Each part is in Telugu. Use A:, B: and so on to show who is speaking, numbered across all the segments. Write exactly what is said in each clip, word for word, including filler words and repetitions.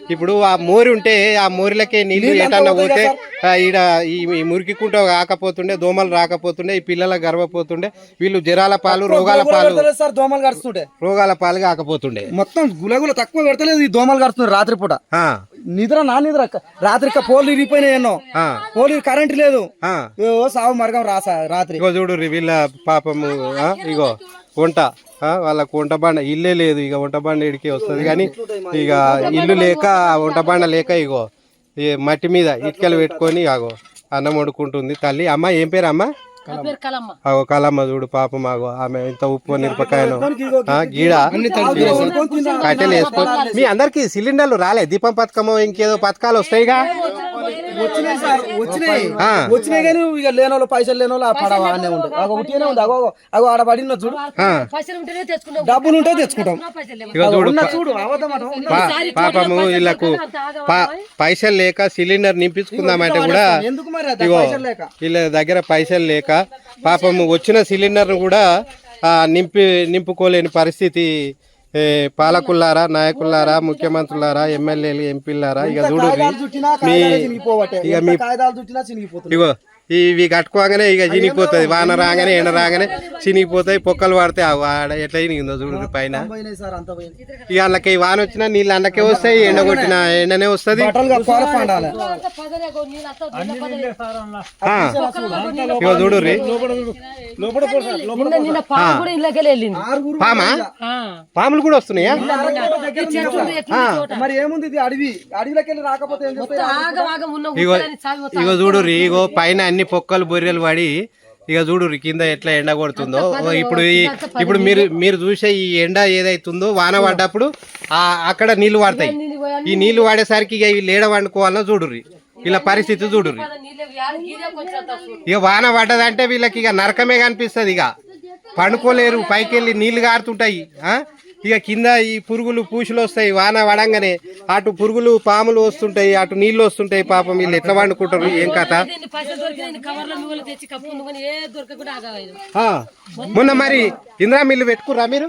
A: ఇప్పుడు ఆ మోరి ఉంటే ఆ మోరిలకే నీళ్లు ఏటన్నా పోతే ఈడ ఈ మురికి కుంట కాకపోతుండే, దోమలు రాకపోతుండే, ఈ పిల్లల గర్వపోతుండే, వీళ్ళు జ్వరాల పాలు రోగాల పాలు
B: సార్ దోమలు కడుస్తుండే,
A: రోగాల పాలు కాకపోతుండే.
B: మొత్తం గులగుల తక్కువ పెడతలేదు, ఈ దోమలు కడుతున్నాయి రాత్రిపూట. నిద్ర నా నిద్ర రాత్రి పోలు ఇరిగిపోయినాయి ఎన్నో, పోలు కరెంట్ లేదు, సాగు మరగం రాసా రాత్రి.
A: ఇగో చూడు వీళ్ళ పాపము, ఇగో వంట వాళ్ళకు వంట బండ ఇల్లే లేదు, ఇక వంట బండ ఇడికి వస్తుంది కానీ ఇక ఇల్లు లేక వంట బండ లేక ఇగో ఈ మట్టి మీద ఇటుకలు పెట్టుకొని ఆగో అన్నం వండుకుంటుంది తల్లి. అమ్మ ఏం పేరు అమ్మ? అగో కలమ్మ చూడు పాపం, ఆగో ఆమె ఇంత ఉప్పు మిరపకాయను గీడ కట్టెలు వేసుకో. మీ అందరికి సిలిండర్లు రాలే? దీపం పథకము ఇంకేదో పథకాలు వస్తాయిగా?
B: వచ్చినాయి వచ్చినాయి కానీ ఇక లేని వాళ్ళు పైసలు లేని వాళ్ళు పడవ అనే ఉంటుంది. అగో ఉట్టిగానే ఉంది, అగో అగో ఆడ పడిన చూడు, డబ్బులు ఉంటే తెచ్చుకుంటాం. చూడు
A: పాపము వీళ్ళకు పైసలు లేక సిలిండర్ నింపించుకుందామంటే కూడా
B: ఎందుకు మరి
A: ఇగో వీళ్ళ దగ్గర పైసలు లేక పాపము వచ్చిన సిలిండర్ కూడా నింపి నింపుకోలేని పరిస్థితి. పాలకుల్లారా, నాయకుల్లారా, ముఖ్యమంత్రులారా, ఎమ్మెల్యేలు, ఎంపీలారా, ఇక చూడు మీ ఇక మీ ఇగో ఇవి కట్టుకోగానే ఇక చినిగిపోతుంది, వాన రాగానే ఎండ రాగానే చినిగిపోతాయి, పొక్కలు పడితే ఆడ ఎట్లా చినిగిందో చూడు పైన. ఇక అందులోకి వాన వచ్చినా నీళ్ళు అందులోకే వస్తాయి, ఎండ కొట్టిన ఎండనే వస్తుంది. ఇగో చూడు పామా పాములు కూడా వస్తున్నాయా?
B: మరి ఏముంది ఇది అడవి, అడవిలోకి వెళ్ళి రాకపోతే
A: ఇగో ఇగో చూడు ఇగో పైన అన్ని పొక్కలు బొర్రెలు పడి ఇక చూడు కింద ఎట్లా ఎండ కొడుతుందో. ఇప్పుడు ఇప్పుడు మీరు మీరు చూసే ఈ ఎండ ఏదైతుందో వాన పడ్డప్పుడు ఆ అక్కడ నీళ్లు పడతాయి. ఈ నీళ్లు వాడేసరికి ఇక వీళ్ళు ఏడ వండుకోవాలన్నా చూడుర్రి, వీళ్ళ పరిస్థితి చూడుర్రి. ఇక వాన పడ్డదంటే వీళ్ళకి ఇక నరకమే కనిపిస్తుంది, ఇక పండుకోలేరు, పైకి వెళ్ళి నీళ్లు గారుతుంటాయి. ఇక కింద ఈ పురుగులు పూసులు వస్తాయి, వాన పడంగానే అటు పురుగులు పాములు వస్తుంటాయి, అటు నీళ్లు వస్తుంటాయి. పాపం వీళ్ళు ఎట్లా వండుకుంటారు ఏం కథ? మొన్న మరి ఇందిరా మిల్లు పెట్టుకుర్రా మీరు?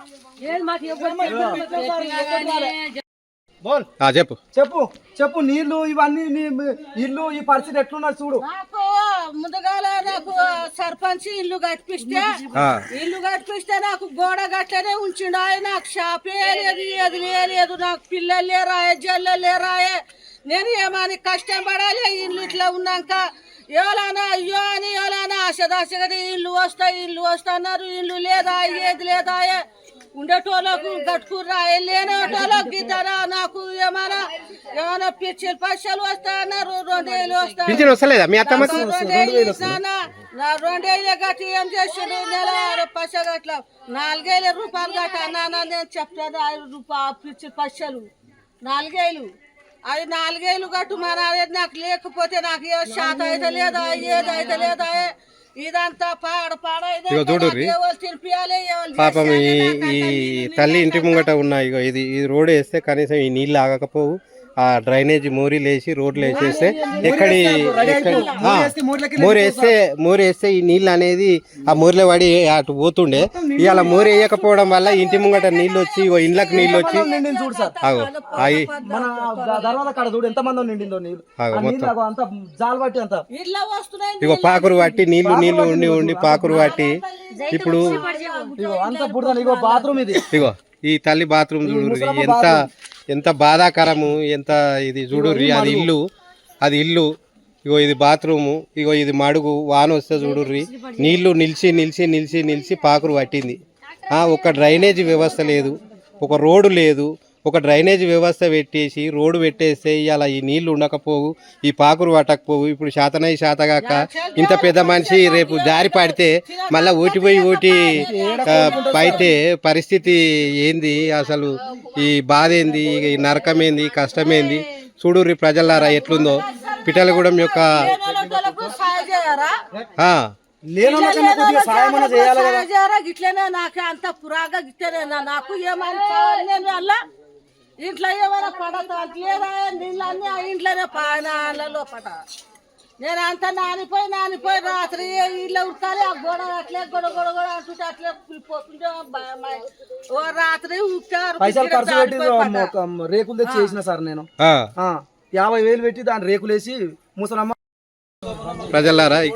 A: చెప్పు
B: చెప్పు చెప్పు నీళ్లు ఇవన్నీ ఇల్లు ఈ పరిస్థితి ఎట్లున్నా చూడు.
C: ముందుగాల నాకు సర్పంచ్ ఇల్లు కట్టిస్తే ఇల్లు కట్టిస్తే నాకు గోడ గట్లనే ఉంచిండు ఆయన. నాకు షాపే లేదు, ఏది లేదు, నాకు పిల్లలు లేరాయే, జల్లలు లేరాయే. నేను ఏమని కష్టం పడాలి ఇల్లు ఇట్లా ఉన్నాక. ఎవరైనా అయ్యో అని ఎవరైనా ఆశదాశగా ఇల్లు వస్తాయి ఇల్లు వస్తా అన్నారు, ఇల్లు లేదా ఏది లేదాయే. ఉండేటోళ్ళకు కట్టుకుర్రా, లేనేటోళ్ళకి గిద్దరా. నాకు ఏమైనా ఏమైనా పిచ్చలు పైసలు వస్తా అన్నారు, రెండేళ్ళు వస్తా నా రెండేళ్ళ గట్టి ఏం చేసిండు నెల పైస గట్ల నాలుగేళ్ళ రూపాయలు గట్ట అన్నా. నేను చెప్తాను ఐదు రూపాయలు పిచ్చి పైసలు నాలుగేళ్ళు, అది నాలుగేళ్ళు గట్టు మన నాకు లేకపోతే నాకు ఏ శాత అయితే లేదా ఏది అయితే లేదా. ఇదంతా పాడ
A: ఇగో చూడుర్రి పాపం ఈ ఈ తల్లి ఇంటి ముంగట ఉన్న ఇగో ఇది ఈ రోడ్ వేస్తే కనీసం ఈ నీళ్ళు ఆగకపోవు. ఆ డ్రైనేజ్ మోరీలు వేసి రోడ్లు వేసేస్తే ఎక్కడి మోరి వేస్తే మోరి వేస్తే ఈ నీళ్ళు అనేది ఆ మోరిలో పడి అటు పోతుండే. ఇవాళ మోరి వేయకపోవడం వల్ల ఇంటి ముంగట నీళ్ళు వచ్చి ఇండ్లకు నీళ్ళు వచ్చి అగో అవి ఇగో పాకురు పట్టి నీళ్లు నీళ్లు ఉండి ఉండి పాకురు పట్టి ఇప్పుడు ఇగో ఈ తల్లి బాత్రూమ్ చూడు ఎంత ఎంత బాధాకరము, ఎంత ఇది చూడుర్రి. అది ఇల్లు అది ఇల్లు ఇగో ఇది బాత్రూము, ఇగో ఇది మడుగు. వాన వస్తే చూడుర్రి నీళ్లు నిలిచి నిలిచి నిలిచి నిలిచి పాకురు పట్టింది. ఒక డ్రైనేజీ వ్యవస్థ లేదు, ఒక రోడ్డు లేదు. ఒక డ్రైనేజ్ వ్యవస్థ పెట్టేసి రోడ్డు పెట్టేస్తే ఇవాళ ఈ నీళ్లు ఉండకపోవు, ఈ పాకురు పట్టకపోవు. ఇప్పుడు శాతనై శాతగాక ఇంత పెద్ద మనిషి రేపు జారి పడితే మళ్ళీ ఓటిపోయి ఓటి పైతే పరిస్థితి ఏంది? అసలు ఈ బాధ ఏంది, ఈ నరకం ఏంది, కష్టమేంది? చూడుర్రి ప్రజలారా ఎట్లుందో పిఠలగూడెం యొక్క
C: గిట్లనే నాకు అంత పురాగా గిట్లనే నాకు ఏమని అలా ఇంట్లో ఏమైనా పడతా లేదా నీళ్ళన్నీ ఆ ఇంట్లోనే పానాలలో పట నేను అంతా నానిపోయి నానిపోయి రాత్రి ఇల్లు ఉడకాలి ఆ గోడ అట్లే గొడ గొడ గొడ అంటుంటే అట్లే కూలిపోతుంటే భయమై- ఓ రాత్రి ఉక్కారు
B: పైసలు ఖర్చు పెట్టి ఒక రేకులు తెచ్చి చేసిన సార్ నేను
A: ఆ,
B: ఆ, యాభై వేలు పెట్టి దాని రేకులేసి ముసలమ్మ
A: ప్రజలారా